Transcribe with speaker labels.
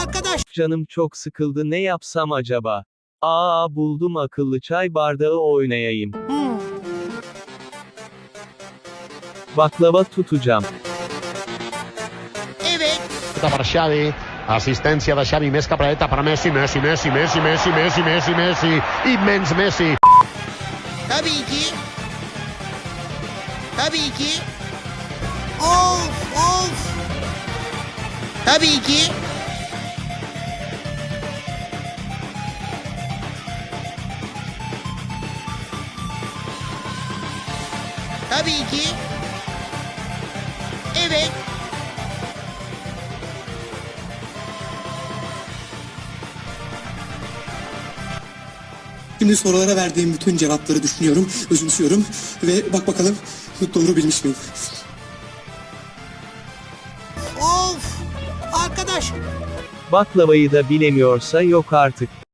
Speaker 1: Arkadaş.
Speaker 2: Canım çok sıkıldı, ne yapsam acaba? Buldum, akıllı çay bardağı oynayayım. Baklava tutacağım.
Speaker 1: Evet.
Speaker 3: Per Xavi, assistència de Xavi, més cap a dreta per Messi, Messi, immens Messi.
Speaker 1: Tabii ki. Tabii ki. Of. Tabii ki. Tabii ki. Evet.
Speaker 4: Şimdi sorulara verdiğim bütün cevapları düşünüyorum, özümsüyorum ve bak bakalım doğru bilmiş miyim?
Speaker 1: Of. Arkadaş.
Speaker 2: Baklavayı da bilemiyorsa yok artık.